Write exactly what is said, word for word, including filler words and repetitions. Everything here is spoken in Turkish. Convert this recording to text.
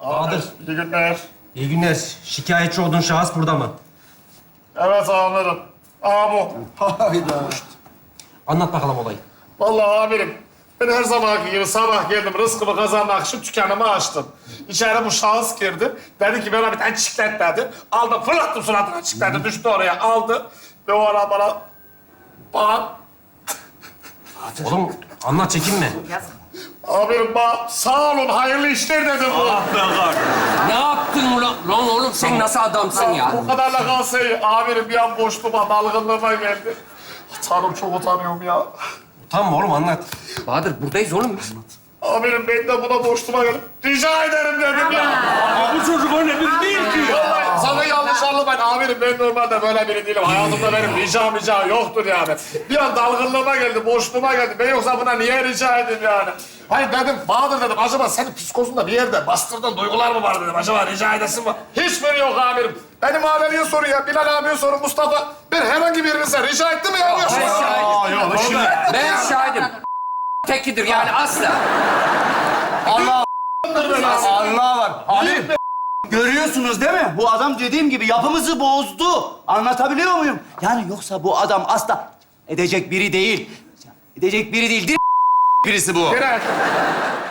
Bahadır. İyi günler. İyi günler. Şikayetçi olduğun şahıs burada mı? Evet amirim. Aa bu. Hayda. Anlat bakalım olayı. Vallahi amirim, ben her zamanki gibi sabah geldim, rızkımı kazanmak için dükkanımı açtım. İçeri bu şahıs girdi. Dedi ki bana bir tane çiklet dedi. Aldım, fırlattım suratına çikleti, düştü oraya, aldı. Ve o ara bana... Bana... Oğlum anlat, çekinme. Amirim bana sağ olun, hayırlı işler dedi bu. Ne yaptın ulan? Lan oğlum sen nasıl adamsın ya? Bu kadarla kalsa iyi. Amirim bir an boşluğuma, dalgınlığıma geldi. Tanrım çok utanıyorum ya. Utanma oğlum, anlat. Bahadır buradayız oğlum biz. Amirim ben de buna boşluğuma geldim. Rica ederim dedim ya. Bu çocuk öyle biri değil ki. Vallahi sana yanlış anlamayın amirim. Ben normalde böyle biri değilim. Hayatımda benim rica mica yoktur yani. Bir an dalgınlığıma geldi, boşluğuma geldi. Ben yoksa buna niye rica edeyim yani? Hayır dedim, Bahadır dedim. Acaba senin psikozunda bir yerde bastırdığın duygular mı var dedim. Acaba rica edesin mi? Hiçbiri yok amirim. Benim mahalleliye sorun ya. Bilal abiye sorun, Mustafa. Ben herhangi birinize rica ettim mi ya? Yok. Ben şahidim. Yok, şimdi... Ben şahidim. Tekidir yani asla. Allah Allah var. Abi görüyorsunuz değil mi? Bu adam dediğim gibi yapımızı bozdu. Anlatabiliyor muyum? Yani yoksa bu adam asla edecek biri değil. Edecek biri değil. Dir birisi bu. Bilal.